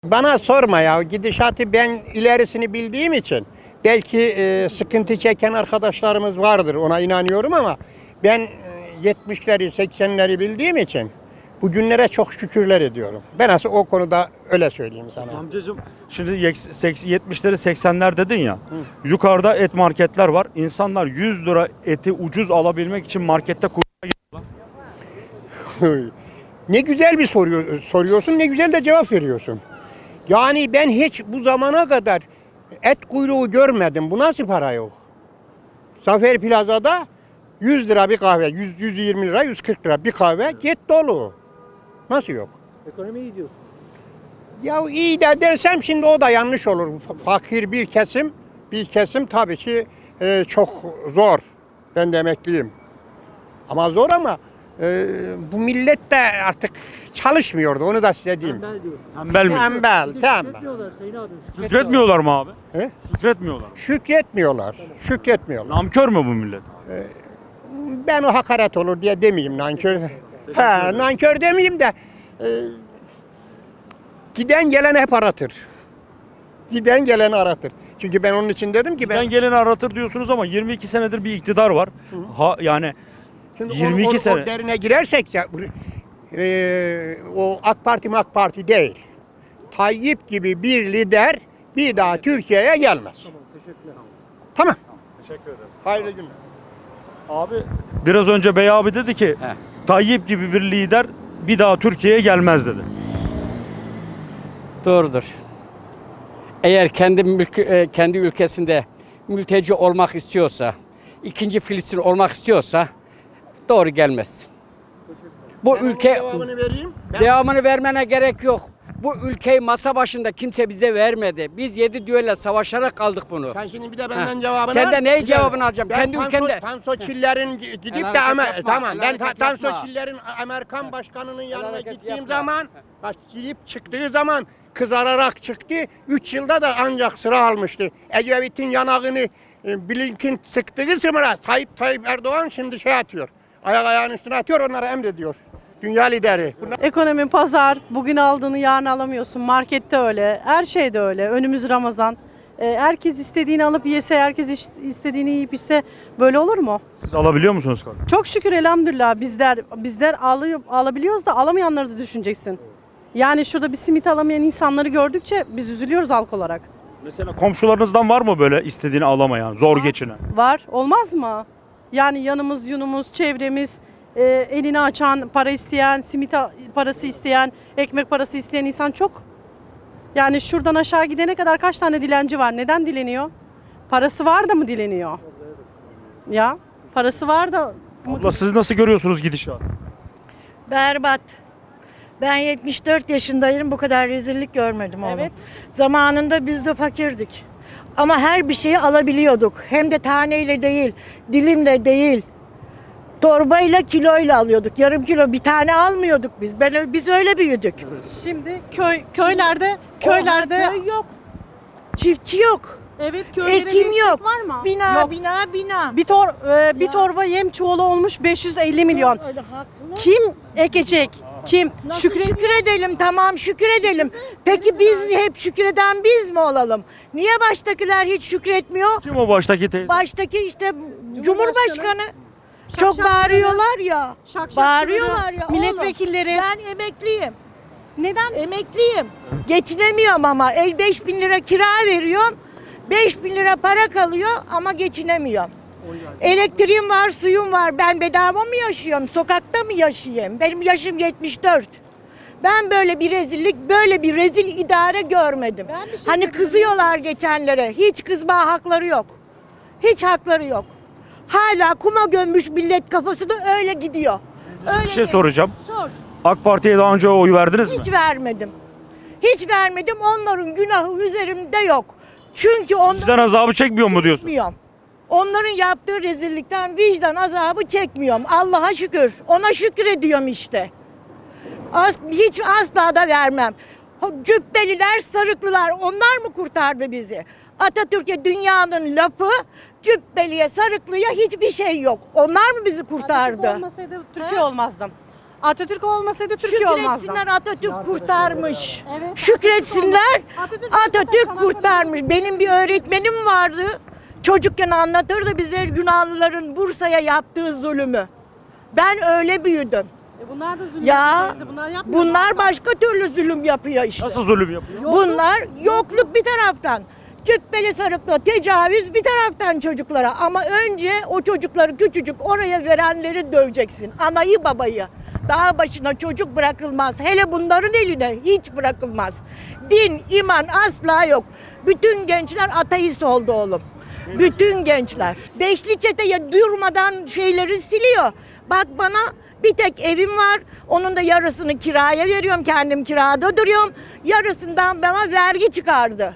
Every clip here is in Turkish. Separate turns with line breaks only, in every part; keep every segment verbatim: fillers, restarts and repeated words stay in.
Bana sorma ya, gidişatı ben ilerisini bildiğim için belki e, sıkıntı çeken arkadaşlarımız vardır, ona inanıyorum, ama ben e, yetmişleri seksenleri bildiğim için bugünlere çok şükürler ediyorum. Ben aslında o konuda öyle söyleyeyim sana.
Amcacığım şimdi yetmişleri seksenler dedin ya. Hı. Yukarıda et marketler var. İnsanlar yüz lira eti ucuz alabilmek için markette kuyruğa giriyorlar.
Ne güzel bir soruyor, soruyorsun, ne güzel de cevap veriyorsun. Yani ben hiç bu zamana kadar et kuyruğu görmedim. Bu nasıl para yok? Zafer Plaza'da yüz lira bir kahve, yüz yüz yirmi lira, yüz kırk lira bir kahve get dolu. Nasıl yok?
Ekonomi iyi diyorsun.
Ya iyi de dersem şimdi o da yanlış olur. Fakir bir kesim, bir kesim tabii ki e, çok zor. Ben de emekliyim. Ama zor, ama e, bu millet de artık çalışmıyordu. Onu da size diyeyim.
Tembel diyorsun.
Tembel mi?
Tembel,
Bir de
tembel.
şükretmiyorlar Sayın abi.
Şükretmiyorlar mı abi?
He?
Şükretmiyorlar.
Şükretmiyorlar. Şükretmiyorlar.
Namkör mü bu millet?
Ben o hakaret olur diye demeyeyim, nankör. Ha, nankör demeyeyim de e, giden gelen hep aratır. Giden gelen aratır. Çünkü ben onun için dedim ki ben
Ben geleni aratır diyorsunuz ama yirmi iki senedir bir iktidar var. Ha yani
şimdi
yirmi iki
onu, onu,
sene.
o derine girersek ya, e, o AK Parti AK Parti değil. Tayyip gibi bir lider bir daha Türkiye'ye gelmez.
Tamam, teşekkürler.
Tamam.
Teşekkür ederiz.
Hayırlı günler.
Abi biraz önce Bey abi dedi ki
He.
Tayyip gibi bir lider bir daha Türkiye'ye gelmez dedi.
Doğrudur. Eğer kendi mülkü, e, kendi ülkesinde mülteci olmak istiyorsa, ikinci Filistin olmak istiyorsa doğru gelmez. Bu
Ben onun
ülke
cevabını vereyim. Ben-
devamını vermene gerek yok. Bu ülkeyi masa başında kimse bize vermedi. Biz yedi düelle savaşarak kaldık bunu.
Sen şimdi bir de benden
Heh.
cevabını
Sen
al.
de neyi
Bir de-
cevabını alacağım?
Ben
Kendi
Tansu-
ülkende.
Tansu Çiller'in gidip
El
de
hareket
Amer
yapma,
tamam
el
ben Ta-
hareket
Tansu
yapma.
Çiller'in Amerikan başkanının yanına
hareket
gittiğim
yapma.
zaman bak, girip çıktığı zaman kızararak çıktı. üç yılda da ancak sıra almıştı. Ecevit'in yanağını e, Blinken sıktığı sıra Tayyip Tayyip Erdoğan şimdi şey atıyor. Ayak ayağının üstüne atıyor, onlara emrediyor. Dünya lideri. Bunlar
Ekonomi, pazar, bugün aldığını yarın alamıyorsun. Markette öyle, her şeyde öyle. Önümüz Ramazan. Ee, herkes istediğini alıp yese, herkes iş- istediğini yiyip içse böyle olur mu?
Siz alabiliyor musunuz kardeşim?
Çok şükür elhamdülillah bizler bizler alıyor, alabiliyoruz da alamayanları da düşüneceksin. Yani şurada bir simit alamayan insanları gördükçe biz üzülüyoruz halk olarak.
Mesela komşularınızdan var mı böyle istediğini alamayan, zor geçinen?
Var, olmaz mı? Yani yanımız, yunumuz, çevremiz, e, elini açan, para isteyen, simit a- parası isteyen, ekmek parası isteyen insan çok. Yani şuradan aşağı gidene kadar kaç tane dilenci var? Neden dileniyor? Parası var da mı dileniyor? Ya, parası var da mı?
Abla siz nasıl görüyorsunuz gidişatı?
Berbat. Ben yetmiş dört yaşındayım, bu kadar rezillik görmedim oğlum.
Evet.
Zamanında biz de fakirdik. Ama her bir şeyi alabiliyorduk. Hem de taneyle değil, dilimle değil. Torbayla, kiloyla alıyorduk. Yarım kilo bir tane almıyorduk biz. Ben biz öyle büyüdük.
Şimdi köy köylerde köylerde
Oha, köy yok. Çiftçi yok.
evet köylere
Ekim
destek
yok.
var mı?
Bina,
Yok.
bina, bina.
Bir tor e, bir
Ya.
torba yem çuvalı olmuş beş yüz elli milyon.
Öyle haklı.
Kim ekecek? Kim?
Nasıl
Şükür
şükür edelim, tamam şükür edelim. Peki biz hep şükreden biz mi olalım? Niye baştakiler hiç şükretmiyor?
Kim o baştaki teyze?
Baştaki işte Cumhurbaşkanı. Çok
şak
bağırıyorlar ya.
Şak şak
Bağırıyorlar ya.
milletvekilleri.
Oğlum, ben emekliyim.
Neden?
Emekliyim. Geçinemiyorum ama. El beş bin lira kira veriyorum. beş bin lira para kalıyor ama geçinemiyorum. Elektriğim var, suyum var. Ben bedava mı yaşıyorum? Sokakta mı yaşayayım? Benim yaşım yetmiş dört. Ben böyle bir rezillik, böyle bir rezil idare görmedim.
Ben bir şey
Hani
dedim.
kızıyorlar geçenlere. Hiç kızma hakları yok. Hiç hakları yok. Hala kuma gömmüş millet kafasını öyle gidiyor. Öyle
Bir şey
gidiyor.
soracağım.
Sor.
AK Parti'ye daha önce oy verdiniz mi?
Hiç vermedim. Hiç vermedim. Onların günahı üzerimde yok. Çünkü onlar
Vicdan azabı çekmiyor mu diyorsun?
çekmiyorum. Onların yaptığı rezillikten vicdan azabı çekmiyorum. Allah'a şükür. Ona şükür ediyorum işte. Az, hiç asla da vermem. O Cübbeliler, sarıklılar onlar mı kurtardı bizi? Atatürk'e dünyanın lafı, Cübbeli'ye, sarıklıya hiçbir şey yok. Onlar mı bizi kurtardı?
Atatürk olmasaydı Türkiye olmazdı. Atatürk olmasaydı Türkiye olmazdı.
Şükretsinler Atatürk kurtarmış. Şükretsinler Atatürk kurtarmış. Benim bir öğretmenim vardı. Çocukken anlatırdı bize Yunanlıların Bursa'ya yaptığı zulümü. Ben öyle büyüdüm.
E bunlar da zulüm.
Ya
teyze, bunlar yapmıyor.
bunlar başka türlü zulüm yapıyor işte.
Nasıl zulüm yapıyor?
Bunlar yokluk bir taraftan. Cübbeli sarıklı tecavüz bir taraftan çocuklara. Ama önce o çocukları küçücük oraya verenleri döveceksin. Anayı babayı. Dağ başına çocuk bırakılmaz. Hele bunların eline hiç bırakılmaz. Din, iman asla yok. Bütün gençler ateist oldu oğlum. Bütün gençler. Beşli çeteye durmadan şeyleri siliyor. Bak bana bir tek evim var. Onun da yarısını kiraya veriyorum. Kendim kirada duruyorum. Yarısından bana vergi çıkardı.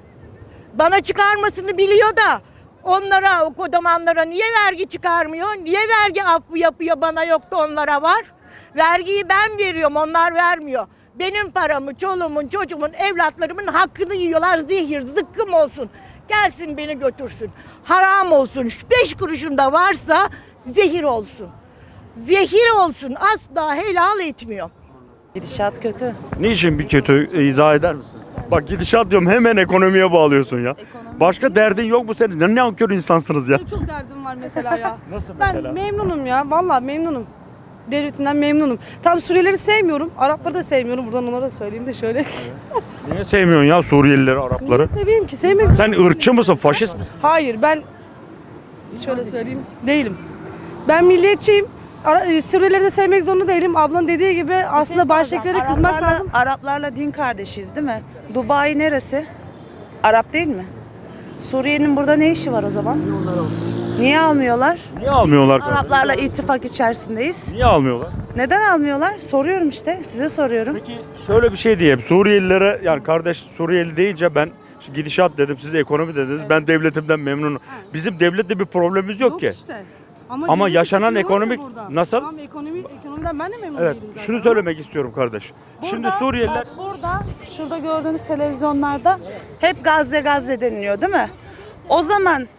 Bana çıkarmasını biliyor da onlara, o kodamanlara niye vergi çıkarmıyor? Niye vergi affı yapıyor, bana yok da onlara var? Vergiyi ben veriyorum, onlar vermiyor. Benim paramı, çoluğumun, çocuğumun, evlatlarımın hakkını yiyorlar. Zehir, zıkkım olsun. Gelsin beni götürsün. Haram olsun. Şu beş kuruşum da varsa zehir olsun. Zehir olsun. Asla helal etmiyor.
Gidişat kötü.
Niçin bir kötü e, izah eder misiniz? Bak gidişat diyorum hemen ekonomiye bağlıyorsun ya. Başka derdin yok mu senin? Ne nankör insansınız ya.
Benim çok derdim var mesela ya.
Nasıl
Ben
mesela?
memnunum ya. Vallahi memnunum. Devletinden memnunum. Tabii Suriyelileri sevmiyorum. Arapları da sevmiyorum. Buradan onlara da söyleyeyim de şöyle.
Niye sevmiyorsun ya Suriyelileri, Arapları?
Niye seveyim ki? Sevmek
Sen ırkçı mısın, faşist misin?
Hayır, ben şöyle söyleyeyim. Değilim. Ben milliyetçiyim. Ara- e, Suriyelileri de sevmek zorunda değilim. Ablanın dediği gibi aslında baştakilere kızmak
Araplarla,
lazım.
Araplarla din kardeşiyiz değil mi? Dubai neresi? Arap değil mi? Suriye'nin burada ne işi var o zaman? Niye almıyorlar?
Niye almıyorlar kardeşim?
Araplarla ittifak içerisindeyiz.
Niye almıyorlar?
Neden almıyorlar? Soruyorum işte. Size soruyorum.
Peki şöyle bir şey diyeyim. Suriyelilere yani kardeş Suriyeli deyince ben şu gidişat dedim, siz ekonomi dediniz. Ben devletimden memnunum. Bizim devlette bir problemimiz yok, ki.
işte.
Ama
devlet
yaşanan
tutuyor ya
ekonomik-
burada.
nasıl?
Tamam, ekonomi, ekonomiden ben de memnun
Evet.
değilim zaten.
Şunu söylemek istiyorum kardeş. Şimdi
Burada,
Suriyeliler
bak burada, şurada gördüğünüz televizyonlarda hep Gazze Gazze deniliyor değil mi? O zaman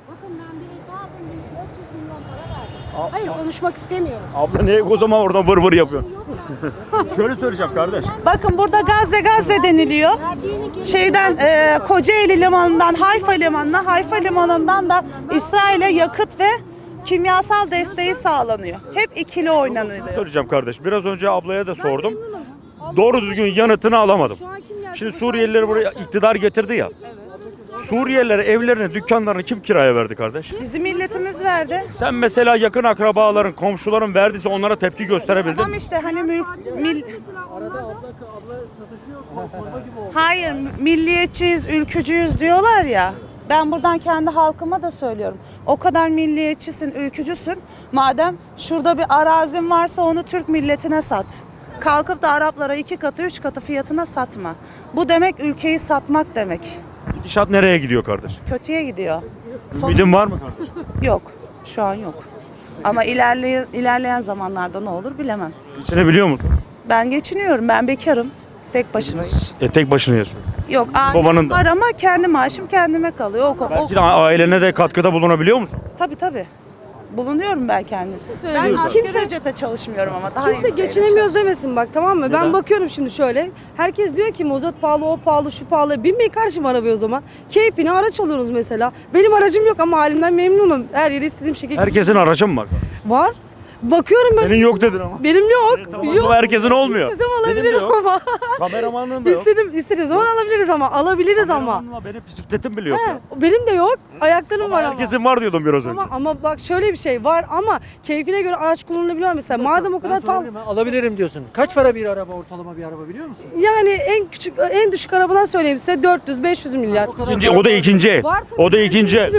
Hayır, konuşmak istemiyorum.
abla niye o zaman oradan vır vır yapıyorsun? Şöyle söyleyeceğim kardeş.
bakın burada Gazze Gazze deniliyor. Şeyden e, Kocaeli limanından Hayfa limanına, Hayfa limanından da İsrail'e yakıt ve kimyasal desteği sağlanıyor. Hep ikili oynanıyor.
Söyleyeceğim kardeş. Biraz önce ablaya da sordum. Doğru düzgün yanıtını alamadım.
Şu an kim
Şimdi Suriyelileri buraya iktidar getirdi ya. Suriyelilere evlerini, dükkanlarını kim kiraya verdi kardeş?
Bizim milletimiz verdi.
Sen mesela yakın akrabaların, komşuların verdiyse onlara tepki gösterebildin
Tamam
mi?
işte hani mül, mil,
Arada abla, abla sataşıyor. Torba gibi oldu.
hayır milliyetçiyiz, ülkücüyüz diyorlar ya. Ben buradan kendi halkıma da söylüyorum. O kadar milliyetçisin, ülkücüsün. Madem şurada bir arazin varsa onu Türk milletine sat. Kalkıp da Araplara iki katı, üç katı fiyatına satma. Bu demek ülkeyi satmak demek.
Gidişat nereye gidiyor kardeş?
Kötüye gidiyor. Son-
Ümidin var mı kardeş?
Yok, şu an yok. Ama ilerleyen, ilerleyen zamanlarda ne olur bilemem.
Geçinebiliyor musun?
Ben geçiniyorum, ben bekarım. Tek başımayım.
E, tek başına yaşıyorsun.
Yok,
Babanın
ailem
da.
var ama kendi maaşım kendime kalıyor. O, o,
Belki de ailene de katkıda bulunabiliyor musun?
tabii tabii. Bulunuyorum ben kendim. Ben
söyleyeyim.
asgari
Kimse-
ücrete çalışmıyorum ama daha
Kimse
yükseğe
geçinemiyoruz demesin bak, tamam mı?
Neden?
Ben bakıyorum şimdi şöyle. Herkes diyor ki mazot pahalı, o pahalı, şu pahalı. Binmeyin karşıma arabaya o zaman. Keyfine araç alıyorsunuz mesela. Benim aracım yok ama halimden memnunum. Her yere istediğim şekilde
Herkesin aracı mı var?
var. Bakıyorum ben.
Senin yok dedin ama.
Benim yok.
E, tamam,
yok.
ama herkesin olmuyor.
İstesem
Benim de
alabilirim
yok.
ama.
Kameramanın da yok.
İstedim, istediğim zaman alabiliriz ama. Alabiliriz ama.
Kameramanın var, benim bisikletim bile yok
He,
ya.
benim de yok. Ayaklarım
Ama
var ama.
herkesin var diyordum biraz önce.
Ama, ama bak şöyle bir şey var ama keyfine göre araç kullanılabiliyor mesela. Madem o kadar
Ben
pahalı.
sorayım, ben alabilirim diyorsun. Kaç para bir araba, ortalama bir araba biliyor musun?
Yani en küçük, en düşük arabadan söyleyeyim size dört yüz beş yüz milyar.
O kadar
İkinci, o da ikinci el.
Var tabii.
O da ikinci el.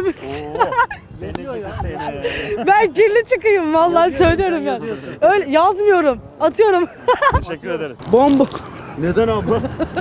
Ben kirli çıkayım vallahi söylüyorum ya. Öyle yazmıyorum, atıyorum.
Teşekkür ederiz.
Bomba.
Neden abla?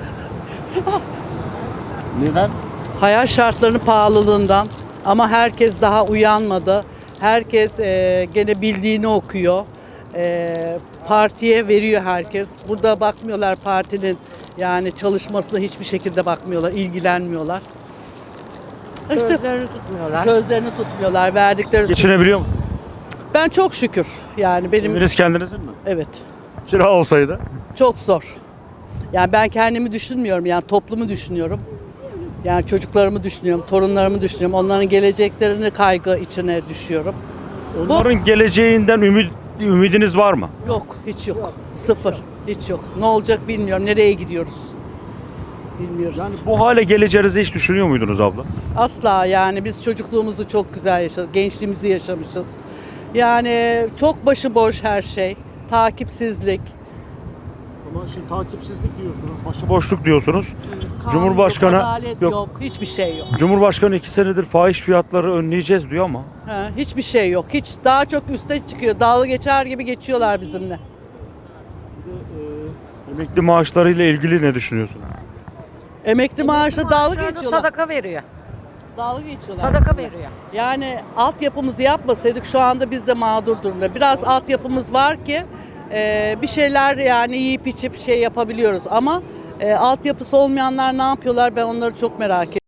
Neden?
Hayat şartlarının pahalılığından, ama herkes daha uyanmadı. Herkes e, gene bildiğini okuyor. E, partiye veriyor herkes. Burada bakmıyorlar partinin yani çalışmasına, hiçbir şekilde bakmıyorlar, ilgilenmiyorlar. İşte
Sözlerini tutmuyorlar.
sözlerini tutmuyorlar, verdikleri.
Geçinebiliyor musunuz?
Ben Ben çok şükür. Yani benim
Eviniz kendinizin mi?
evet.
Kira olsaydı.
Çok zor. Yani ben kendimi düşünmüyorum. Yani toplumu düşünüyorum. Yani çocuklarımı düşünüyorum, torunlarımı düşünüyorum. Onların geleceklerini kaygı içine düşüyorum.
Onların geleceğinden ümit, ümidiniz var mı?
Yok, hiç yok. Sıfır. Hiç yok. Ne olacak bilmiyorum. Nereye gidiyoruz? Bilmiyoruz.
Yani bu hale geleceğinizi hiç düşünüyor muydunuz abla?
Asla yani biz çocukluğumuzu çok güzel yaşadık. Gençliğimizi yaşamışız. Yani çok başıboş her şey. Takipsizlik.
Ama şimdi takipsizlik diyorsunuz. Başı
Boşluk diyorsunuz.
kanun
Cumhurbaşkanı
yok, adalet
yok.
yok. Hiçbir şey yok.
Cumhurbaşkanı iki senedir fahiş fiyatları önleyeceğiz diyor ama
Ha, hiçbir şey yok. Hiç daha çok üste çıkıyor. Dalga geçer gibi geçiyorlar bizimle.
emekli maaşlarıyla ilgili ne düşünüyorsunuz?
Emekli maaşla dalga geçiyorlar.
Sadaka veriyor.
Dalga geçiyorlar.
Sadaka
bizimle.
veriyor.
Yani altyapımızı yapmasaydık şu anda biz de mağdur durumda. Biraz altyapımız var ki e, bir şeyler yani yiyip içip şey yapabiliyoruz ama e, altyapısı olmayanlar ne yapıyorlar ben onları çok merak ediyorum.